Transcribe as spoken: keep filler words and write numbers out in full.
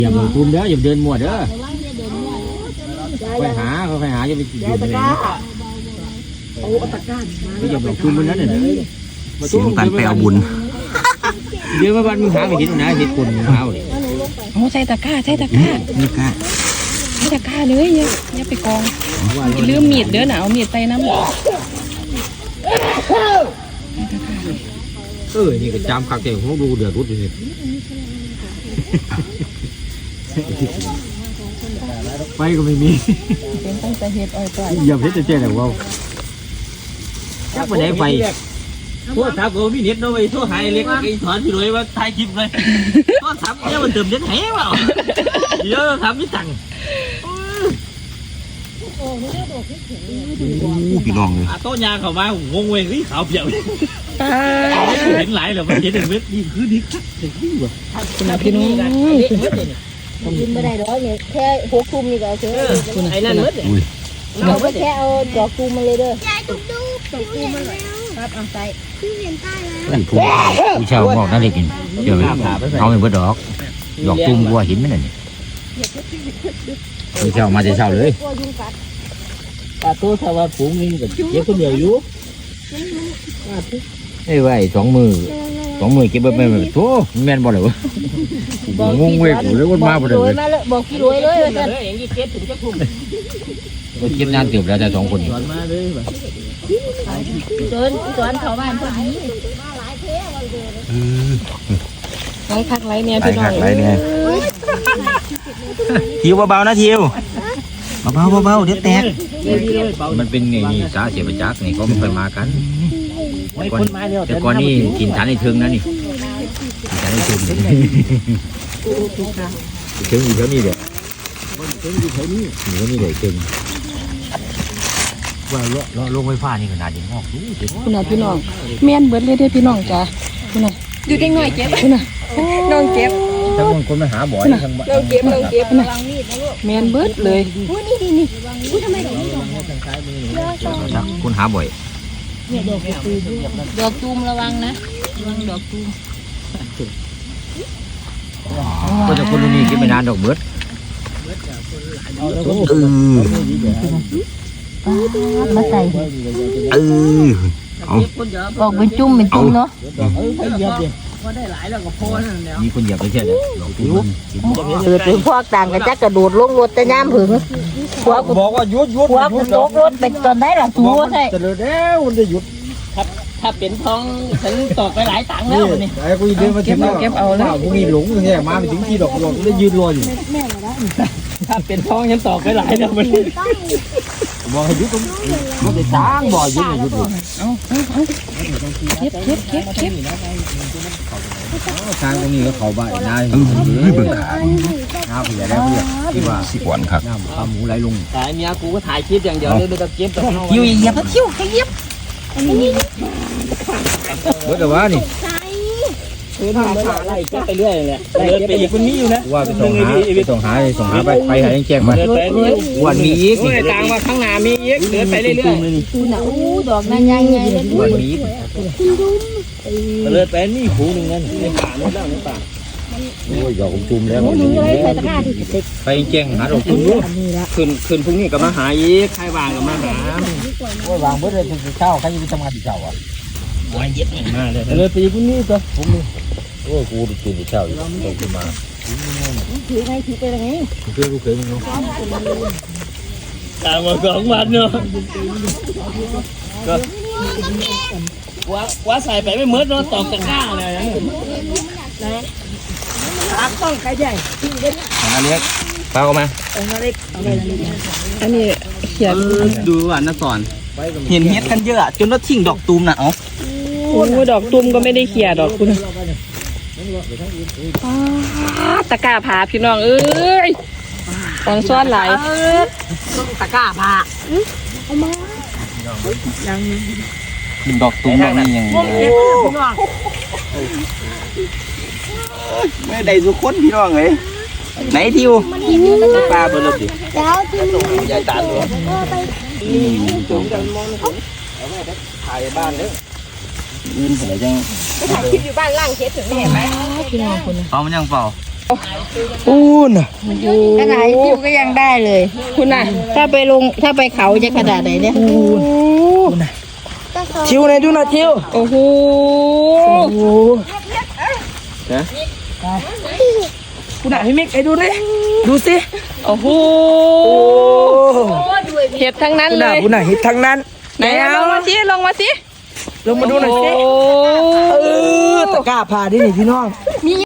อย่าหมุนคุมเด้ออย่าเดินมั่วเด้อไปหาเขาไปหาอย่าไปอยู่ในนี้โอ้ตะก้านมาอย่าหมุนคุมมันนั่นน่ะเสียงการแปลบุญเดี๋ยวมาบ้านมึงหาไม่เห็นนะเห็นคนมึงหาเลยโอ้ใส่ตะกร้าใส่ตะกร้านี่ก้าใส่ตะกร้าเลยเนี่ยอย่าไปกองลืมมีดเด้อหนาวมีดใส่น้ำเออนี่ก็จำขักใจของดูเดือดรุดเลยไฟก็ไม่มีเป็นตั้งแต่เห็ดอ้อยต่อยอย่าเพิ่งจะเจ๊แต่ว่าจักไปไหนไฟโทษทับก็มีเน็ตเนาะไอ้โทษหายเล็กไอ้ถอนที่รวยว่าถ่ายคลิปเลยโทษทับเนี่ยมันเติมเน็ตแห้เปล่าเดี๋ยวทำไม่ตังพี่น้องเลยโต๊ะยางเข้ามางงเว้ยขาวเปียกเห็นหลายแล้วมันเห็นเม็ดนี่คือดีครับเด็กนี่วะคุณพี่น้องกินไม่ได้หรอกเนี่ยแค่หกทุ่มนี่ก็เอาเถอะไอ้นั่นเม็ดเราไม่แค่เอาดอกตูมมาเลยเด้อยายจุ๊บจุ๊บดอกตูมมาเลยครับเอาใส่พี่เห็นใต้แล้วผู้ผู้ชาวบอกน่าได้กินเดี๋ยวเอาไปเบิดดอกดอกตูมวัวหินไหมเนี่ยผู้ชาวมาจะเช่าเลยปลาตัวชาวฝูงนี่ก็เก็บคนเดียวอยู่ไอ้ไว้สองมือสองมือเก็บไปแบบโธ่แม่นบ่เลยวะงงเว้ยกูเลยวันมาบ่ได้เลยบอกพี่รวยเลยว่าจะอย่างนี้เก็บถึงจะทุ่มเก็บนานเกือบแล้วแต่สองคนสอนมาเลยจนจนเขาบ้านพอดีไล่คักไล่เนี่ยพี่น้องไล่เนี่ยทิวเบาๆนะทิวเบาๆเบาๆเดี๋ยวแตกมันเป็นไงนี่สาเสียประจักษ์นี่เขาไม่เคยมากันแต่ก่อนนี่กินฐานในเทิงนะนี่กินฐานในเทิงเทิงอยู่แถวนี้เด็กเทิงอยู่แถวนี้อยู่แถวนี้เด็กเทิงว่าเลาะเลาะลงไฟฟ้านี่ขนาดยังงอกดูเด็กคุณน่ะพี่น้องแม่นเบิดเลยเด้พี่น้องจ้าคุณน่ะอยู่เด็กน้อยเก็บคุณน่ะน้องเก็บทั้งคนมาหาบ่อยทั้งน้องเก็บน้องเก็บนะแม่นเบิดเลยอุ้ยนี่นี่นี่อุ้ยทำไมดอกนี้ดอกคนหาบ่อยเนี่ยดอกตูมดอกตูมระวังนะระวังดอกตูมก็จะคนนี้กินไม่นานดอกเบิดเออมาใส่เออเอาบอกเป็นจุ่มเป็นจุ่มเนาะก็ได้หลายแล้วก็พอนั่นแหละมีคนเหยียบไปแค่เดียวเกิดเป็นพวกต่างกันจักกระโดดลงรถแต่ย่ำผึ่งพวกบอกว่าหยุดหยุดพวกมันตกรถเป็นตอนไหนล่ะตัวใช่แต่แล้วมันจะหยุดถ้าถ้าเป็นทองฉันตกไปหลายตังค์แล้วนี่ไอ้กูเดินมาถึงแล้วเก็บเอาแล้วกูมีหลงอย่างเงี้ยมาไปถึงที่ดอกหลงได้ยืนรออยู่ถ้าเป็นทองฉันตกไปหลายแล้วมันบอกให้หยุดตรงมันจะจ้างบ่อหยุดหยุดเอาเอาเอาเก็บเก็บเก็บเก็บทางตรงนี้ก็เขาใบนายเออเบิ่งขาน้าผู้ใหญ่แล้วเนี่ยที่ว่าสิบวันครับน้ำปลาหมูไหลลงแต่เมียกูก็ถ่ายคลิปอย่างเดียวเลยไม่ต้องเก็บแต่คิวเหยียบคิวให้เหยียบเบิดแต่ว่านี่คือทำขาไล่เก็บไปเรื่อยเลยเดินไปอีกมันมีอยู่นะว่าไปส่งหาไปส่งหาส่งหาไปไปหาแจ้งมาวันมีอีกนี่ต่างว่าข้างหน้ามีอีกเดินไปเรื่อยๆคุณน่ะอู้ดอกนั้นยังไงเลยวันมีเลยเป็นนี่หูหนึ่งนั่นในป่าในแล้วในป่าโอ้ยดอกจุ่มแล้วไปแจ้งหาดอกจุ่มคืนคืนพรุ่งนี้ก็มาหาอีกใครวางก็มาหาโอ้ยวางเบิดเลยถึงเช้าใครจะไปทำงานที่เช้าอ่ะวันเย็นมาเลยเลยปีพรุ่งนี้ตัวผมโอ้กูตื่นเช้าอยู่ต้องขึ้นมาถือไงถือไปยังไงเพื่อนกูเคยมึงเนาะตามมาสองวันเนาะก็ว่าว่าใส่ไปไม่เมื่อเนาะตอกตะกร้าเลยนะตักต้องใครใหญ่อันนี้เปล่ามาอันนี้เขียนดูว่านักสอนเห็นเฮ็ดกันเยอะจนแล้วทิ้งดอกตูมน่ะอ๋อโอ้ดอกตูมก็ไม่ได้เขียดอกคุณตะกร้าผาพี่น้องเอ้ยตอนซ้อนไหลตะกร้าผาเอามายังกินดอกตูมดอกนี้ยังไม่ได้สุขคนพี่น้องเลยไหนทิวปลาเบอร์ดิแล้วที่ใหญ่ตาตัวถ่ายบ้านเลยยืนเสร็จจังถ่ายคลิปอยู่บ้านล่างเช็ดถึงเห็นไหมเปล่ามันยังเปล่าอู้น่ะขนาดทิวก็ยังได้เลยคุณน่ะถ้าไปลงถ้าไปเขาจะขนาดไหนเนี่ยอู้น่ะทิวไหนดูหน่อยทิวโอ้โหโอ้โหนะคุณน่ะพี่มิกไอ้ดูดิดูสิโอ้โหโอ้เห็ดทั้งนั้นคุณเลน่ะยคุณน่ะเห็ดทั้งนั้นไหนอะลงมาสิลงมาสิลงมาดูหน่อยสิโอ้เออตะกร้าผ่าดินี่พี่น้อง